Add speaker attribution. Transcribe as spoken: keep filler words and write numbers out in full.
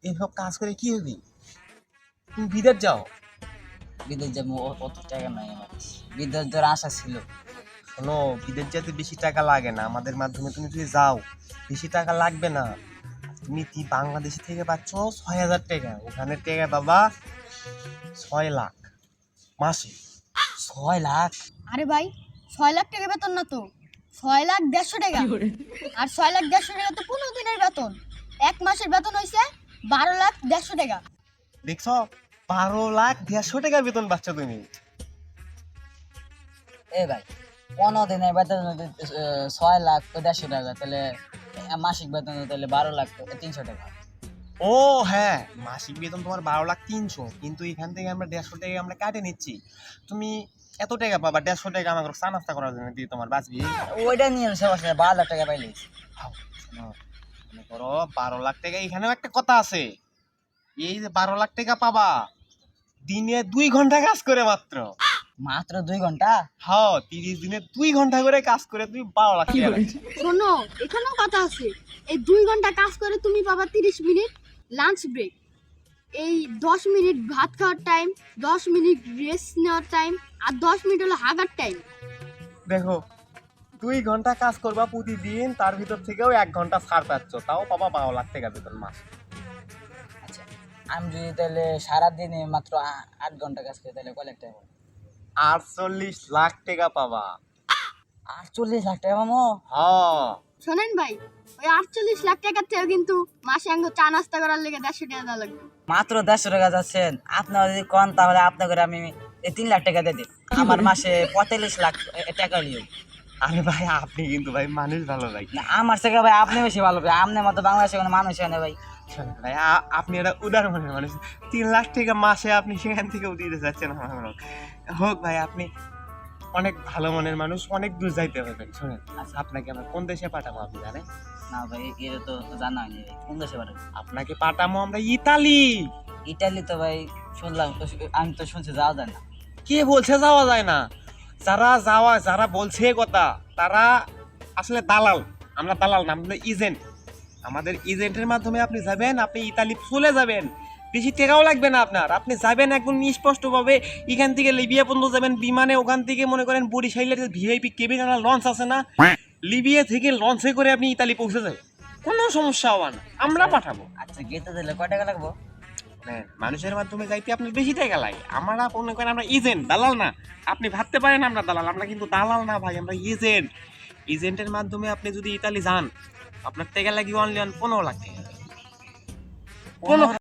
Speaker 1: এইসব কাজ করে কি হবি? তুমি বিদেশ যাও।
Speaker 2: বিদেশ যাবো, অ- অত টাকা নাই আমার কাছে। বিদেশ যাওয়ার আশা ছিল।
Speaker 1: শোনো, বিদেশ যেতে বেশি টাকা লাগে না, আমাদের মাধ্যমে তুমি যদি যাও বেশি টাকা লাগবে না। তুমি কি বাংলাদেশ থেকে পাচ্ছ ছয় হাজার টাকা, ওখানে টাকা বাবা ছয় লাখ মাসে।
Speaker 2: ছয় লাখ?
Speaker 3: আরে ভাই, ছয় লাখ টাকা বেতন না তো, ছয় লাখ দেড়শো টাকা। আর ছয় লাখ দেড়শো টাকা তো পনেরো দিনের বেতন। এক মাসের বেতন হয়েছে বারো লাখ দেড়শো টাকা।
Speaker 1: দেখছো, বারো লাখ দেড়শো টাকা বেতন পাচ্ছ তুমি।
Speaker 2: এ ভাই, পনেরো দিনের বেতন যদি, আহ, ছয় লাখ তো দেড়শো টাকা, তাহলে আহ, মাসিক বেতন তাহলে বারো লাখ তিনশো টাকা।
Speaker 1: ও হ্যাঁ, মাসিক বেতন তোমার বারো লাখ তিনশো, কিন্তু এখান থেকে আমরা দেড়শো টাকা আমরা কাটে নিচ্ছি। তুমি এত টাকা পাবা, দেড়শো টাকা আমাকে চা নাস্তা করার জন্য দিয়ে তোমার বাঁচবি।
Speaker 2: ওইটা নিয়ে সমস্যা, বারো লাখ টাকা পাইলে।
Speaker 1: হাও, শোনো, মনে করো বারো লাখ টাকা, এখানেও একটা কথা আছে। এই যে বারো লাখ টাকা পাবা, দিনে দুই ঘন্টা কাজ করে মাত্র।
Speaker 2: মাত্র দুই ঘন্টা?
Speaker 1: হ্যাঁ, তিরিশ দিনে দুই ঘন্টা করে কাজ করে তুমি বারো লাখ টাকা পাচ্ছ।
Speaker 3: শোনো, এখানেও কথা আছে। এই দুই ঘন্টা কাজ করে তুমি পাবা তিরিশ মিনিট লাঞ্চ ব্রেক, এই দশ মিনিট ভাত খাওয়ার টাইম, দশ মিনিট রেস্ট নেওয়ার টাইম, আর দশ মিনিট হলো হাগার টাইম।
Speaker 1: দেখো, দুই ঘন্টা কাজ করবা প্রতিদিন, তার ভিতর থেকেও এক ঘন্টা ছাড় পাচ্ছ, তাও পাবা বারো লাখ টাকা বেতন মাস।
Speaker 2: আচ্ছা, আমি যদি তাহলে সারাদিনে মাত্র আ- আট ঘন্টা কাজ করি তাহলে কয় লাখ টাকা পাবো?
Speaker 1: আটচল্লিশ লাখ টাকা পাবা।
Speaker 2: আটচল্লিশ লাখ টাকা পাবো?
Speaker 1: হ্যাঁ,
Speaker 3: শোনেন ভাই, ওই আটচল্লিশ লাখ টাকার থেকেও কিন্তু মাসে আঙ্গ চা নাস্তা করার লেগে দেড়শো টাকা দেওয়া লাগবে।
Speaker 2: মাত্র দেড়শো টাকা যাচ্ছেন আপনারা, যদি কন তাহলে আপনাকে আমি এই তিন লাখ টাকা দিয়ে দিই। আমার মাসে পঁয়তাল্লিশ লাখ এ- টাকা নিও।
Speaker 1: আরে ভাই, আপনি কিন্তু ভাই মানুষ ভালো ভাই।
Speaker 2: না, আমার থেকে ভাই আপনি বেশি ভালো ভাই, আপনার মতো বাংলাদেশে কোনো মানুষ হয় না ভাই।
Speaker 1: শোনেন ভাই, আ- আপনি একটা উদার মনের মানুষ। তিন লাখ টাকা মাসে আপনি সেখান থেকেও দিতে চাচ্ছেন আমার মনে হয়। হোক ভাই, আপনি অনেক ভালো মনের মানুষ, অনেক দূর যাইতে পারবেন। শোনেন, আচ্ছা, আপনাকে আমরা কোন দেশে পাঠাবো আপনি জানেন?
Speaker 2: না ভাই, এটা তো জানা হয়নি ভাই, কোন দেশে পারে?
Speaker 1: আপনাকে পাঠাবো আমরা ইতালি।
Speaker 2: ইটালি তো ভাই শুনলাম তো, আমি তো শুনছি যাওয়া যায় না।
Speaker 1: কে বলছে যাওয়া যায় না? যারা যাওয়া, যারা বলছে এ কথা, তারা আসলে দালাল। আমরা দালাল না, আমরা এজেন্ট। আমাদের এজেন্টের মাধ্যমে আপনি যাবেন, আপনি ইতালি চলে যাবেন, বেশি টাকাও লাগবে না আপনার। আপনি যাবেন একদম স্পষ্টভাবে, এখান থেকে লিবিয়া পর্যন্ত যাবেন বিমানে, ওখান থেকে মনে করেন বরিশালের ভিআইপি কেবিন লঞ্চ আছে না, লিবিয়া থেকে লঞ্চে করে আপনি ইতালি পৌঁছে যাবেন, কোনো সমস্যা হওয়া না, আমরা পাঠাবো।
Speaker 2: আচ্ছা, গেতে দিলে কয় টাকা লাগবো?
Speaker 1: হ্যাঁ, মানুষের মাধ্যমে যাইতে আপনার বেশি টাকা লাগে। আমরা মনে করেন আমরা এজেন্ট, দালাল না। আপনি ভাবতে পারেন আমরা দালাল, আমরা কিন্তু দালাল না ভাই, আমরা এজেন্ট। এজেন্টের মাধ্যমে আপনি যদি ইতালি যান, আপনার টাকা লাগবে অনলি অন পনেরো লাখ টাকা। পনেরো